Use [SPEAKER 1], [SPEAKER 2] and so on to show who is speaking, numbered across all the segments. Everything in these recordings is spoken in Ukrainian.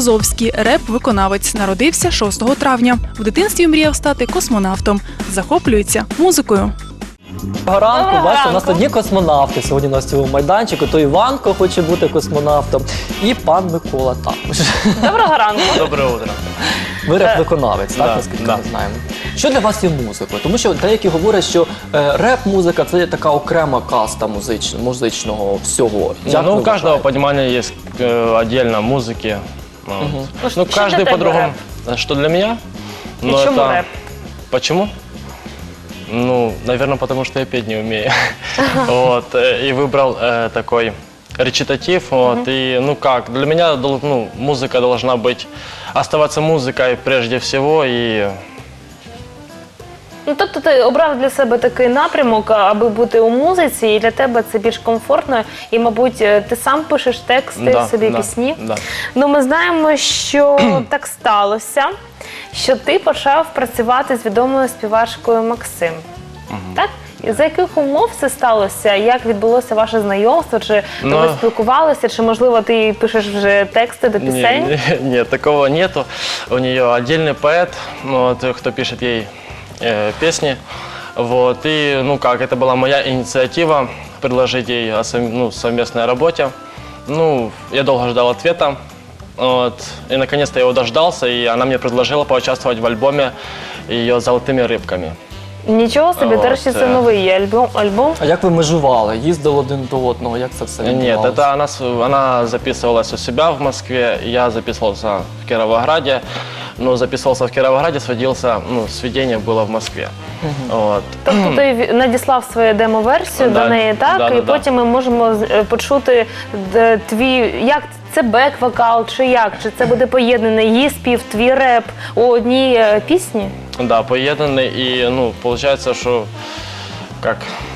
[SPEAKER 1] Березовський, реп-виконавець, народився 6 травня. В дитинстві мріяв стати космонавтом. Захоплюється музикою.
[SPEAKER 2] Доброго ранку, бачите, у нас тут є космонавти сьогодні на цьому майданчику. То Іванко хоче бути космонавтом і пан Микола також.
[SPEAKER 3] Доброго ранку.
[SPEAKER 4] Доброе утро.
[SPEAKER 2] Ви реп-виконавець, так, наскільки ми знаємо. Що для вас є музикою? Тому що деякі говорять, що реп-музика – це така окрема каста музичного всього.
[SPEAKER 4] Ну, у каждого понимания есть отдельно музыки. Вот. Ну, каждый по-другому. Что для меня?
[SPEAKER 3] И чему рэп?
[SPEAKER 4] Почему? Ну, наверное, потому что я петь не умею. Вот. И выбрал такой речитатив. Вот. И, ну как, для меня музыка должна быть, оставаться музыкой прежде всего. И...
[SPEAKER 3] Ну, тобто ти обрав для себе такий напрямок, аби бути у музиці, і для тебе це більш комфортно, і, мабуть, ти сам пишеш тексти, собі пісні.
[SPEAKER 4] Да.
[SPEAKER 3] Ну, ми знаємо, що так сталося, що ти почав працювати з відомою співачкою Максим. Так? І за яких умов це сталося? Як відбулося ваше знайомство? Чи ви спілкувалися? Чи, можливо, ти пишеш вже тексти до пісень?
[SPEAKER 4] Нет, такого нету. У нее отдельный поэт, вот, кто пишет ей песни. Вот. И, ну как, это была моя инициатива предложить ей о совместной работе. Ну, я долго ждал ответа. Вот. И наконец-то я его дождался, и она мне предложила поучаствовать в альбоме ее «Золотыми рыбками».
[SPEAKER 3] Нічого собі,
[SPEAKER 4] Вот.
[SPEAKER 3] нарешті це новий альбом.
[SPEAKER 2] А як ви межували? Їздили один до одного? Як це все
[SPEAKER 4] Нет,
[SPEAKER 2] відбувалося?
[SPEAKER 4] это она записывалась у себя в Москве, я записывался в Кировограде. Но записывался в Кировограде, сведение было в Москве. Вот.
[SPEAKER 3] Тобто ти надіслав свою демо-версію до неї, так? І потім ми можемо почути твій, як це бек-вокал, чи як? Чи це буде поєднаний її спів, твій реп у одній пісні?
[SPEAKER 4] Да, поєднаний, і, ну, получается, що, як...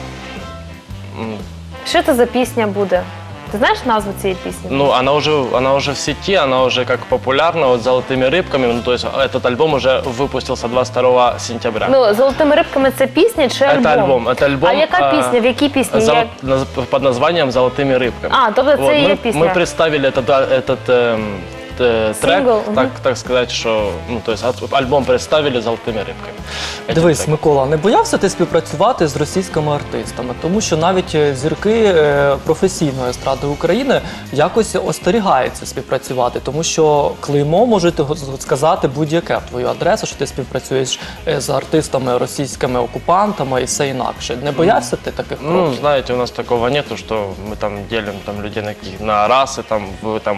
[SPEAKER 3] Що це за пісня буде? Ти знаєш назву цієї пісні?
[SPEAKER 4] Ну, она уже в сети, она уже как популярна, вот «Золотыми рыбками». Ну, то есть этот альбом уже выпустился 22 сентября.
[SPEAKER 3] Ну, «Золотими рибками» – це пісня чи альбом?
[SPEAKER 4] Это альбом.
[SPEAKER 3] А яка пісня? В якій пісні?
[SPEAKER 4] Под названием «Золотыми рыбками».
[SPEAKER 3] А, тобто це є пісня.
[SPEAKER 4] Мы представили этот трек, так сказать, что, ну, то есть альбом представили «Золотыми рыбками».
[SPEAKER 2] Дивись, Микола, не боявся ти співпрацювати з російськими артистами? Тому що навіть зірки професійної естради України якось остерігаються співпрацювати, тому що клеймо можете сказати будь-яке в твою адресу, що ти співпрацюєш з артистами російськими окупантами і все інакше. Не боявся ти таких кроків?
[SPEAKER 4] Ну, знаете, у нас такого нету, что мы там делим людей на расы, вы там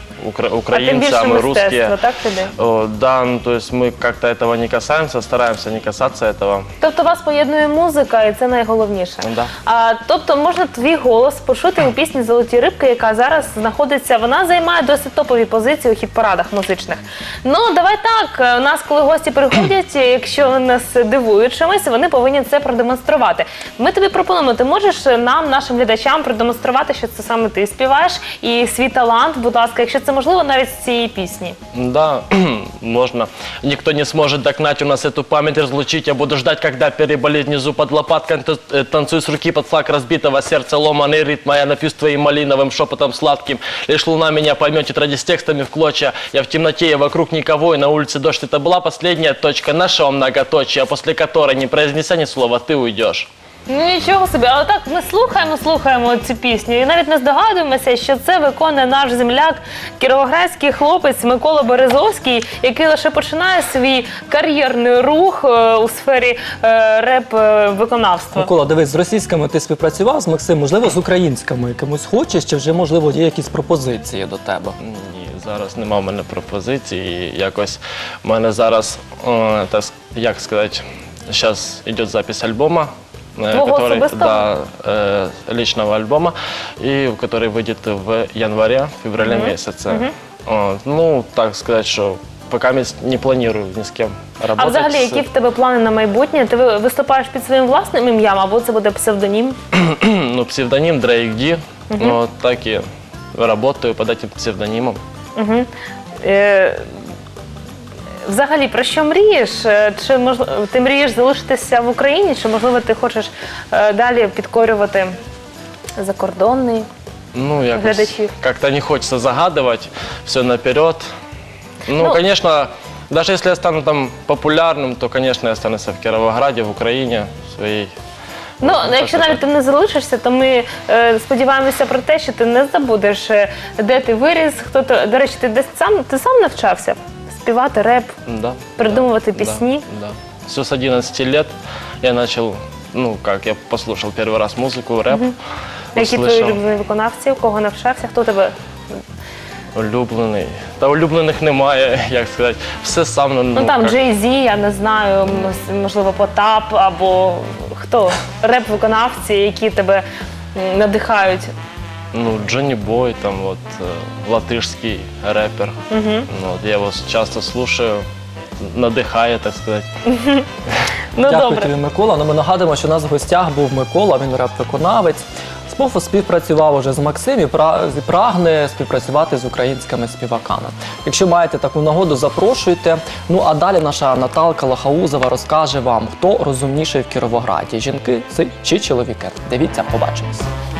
[SPEAKER 4] украинцы, а мы русские.
[SPEAKER 3] Так, тобі?
[SPEAKER 4] Да, ну, то есть мы как-то этого не касаемся, стараемся не касаться этого.
[SPEAKER 3] Тобто вас поєднує музика, і це найголовніше.
[SPEAKER 4] Да.
[SPEAKER 3] Тобто можна твій голос почути у пісні «Золоті рибки», яка зараз знаходиться, вона займає досить топові позиції у хіт-парадах музичних. Ну, давай так, у нас, коли гості приходять, якщо вони нас дивують чимось, вони повинні це продемонструвати. Ми тобі пропонуємо, ти можеш нам, нашим глядачам, продемонструвати, що це саме ти співаєш, і свій талант, будь ласка, якщо це можливо, навіть з цієї пісні.
[SPEAKER 4] Да, можно. Никто не сможет догнать у нас эту память, разлучить. Я буду ждать, когда переболит внизу под лопаткой. Танцуй с руки под флаг разбитого сердца, ломаный ритм. Я напьюсь твоим малиновым шепотом сладким. Лишь луна меня поймет, тетради с текстами в клочья. Я в темноте, и вокруг никого, и на улице дождь. Это была последняя точка нашего многоточия, после которой, не произнеся ни слова, ты уйдешь.
[SPEAKER 3] Ну нічого собі, але так ми слухаємо цю пісню і навіть не здогадуємося, що це виконує наш земляк, кіровоградський хлопець Микола Березовський, який лише починає свій кар'єрний рух у сфері реп-виконавства.
[SPEAKER 2] Микола, дивись, з російськими ти співпрацював, з Максим, можливо, з українськими якимось хочеш, чи вже, можливо, є якісь пропозиції до тебе?
[SPEAKER 4] Ні, зараз нема в мене пропозиції. Якось в мене зараз, як сказати, зараз йде запис альбома. Личного альбома, который выйдет в январе-феврале месяце. Ну, так сказать, что пока не планирую ни с кем работать.
[SPEAKER 3] А взагалі, які в тебе плани на майбутнє? Ти виступаєш під своїм власним ім'ям, або це буде псевдонім?
[SPEAKER 4] Ну, псевдонім Drake D. Так і працюю під цим псевдонімом.
[SPEAKER 3] Взагалі, про що мрієш? Чи ти мрієш залишитися в Україні, чи, можливо, ти хочеш далі підкорювати закордонний глядачів?
[SPEAKER 4] Как-то не хочется загадывать все наперед. Ну, конечно, даже если я стану там популярным, то, конечно, я останусь в Кировограде, в Украине, в своей.
[SPEAKER 3] Ну,
[SPEAKER 4] так
[SPEAKER 3] якщо
[SPEAKER 4] що
[SPEAKER 3] навіть
[SPEAKER 4] так.
[SPEAKER 3] ти не залишишся, то ми сподіваємося про те, що ти не забудеш, де ти виріс, хто ти. До речі, ти сам навчався співати реп,
[SPEAKER 4] Да.
[SPEAKER 3] придумувати
[SPEAKER 4] да,
[SPEAKER 3] пісні?
[SPEAKER 4] Да. Все с 11 лет я начал, ну, как, я послушал первый раз музыку, рэп.
[SPEAKER 3] Які твої
[SPEAKER 4] услышал.
[SPEAKER 3] улюблені виконавці, у кого навчався, хто тебе?
[SPEAKER 4] Улюблений. Та улюблених немає, як сказати. Все сам,
[SPEAKER 3] Ну там
[SPEAKER 4] як-
[SPEAKER 3] Jay Z, я не знаю, можливо, Потап або хто? Реп-виконавці, які тебе надихають.
[SPEAKER 4] Ну, Джонни Бой, там вот, латышский рэпер. Ну, вот, я его часто слушаю, надихає, так сказати.
[SPEAKER 3] Ну
[SPEAKER 2] Дякую
[SPEAKER 3] добре.
[SPEAKER 2] тобі, Микола. Ну, ми нагадуємо, що у нас в гостях був Микола, він реп-виконавець. Співпрацював уже з Максим і прагне співпрацювати з українськими співаками. Якщо маєте таку нагоду, запрошуйте. Ну а далі наша Наталка Лохаузова розкаже вам, хто розумніший в Кіровограді – жінки чи чоловіки. Дивіться, побачимось.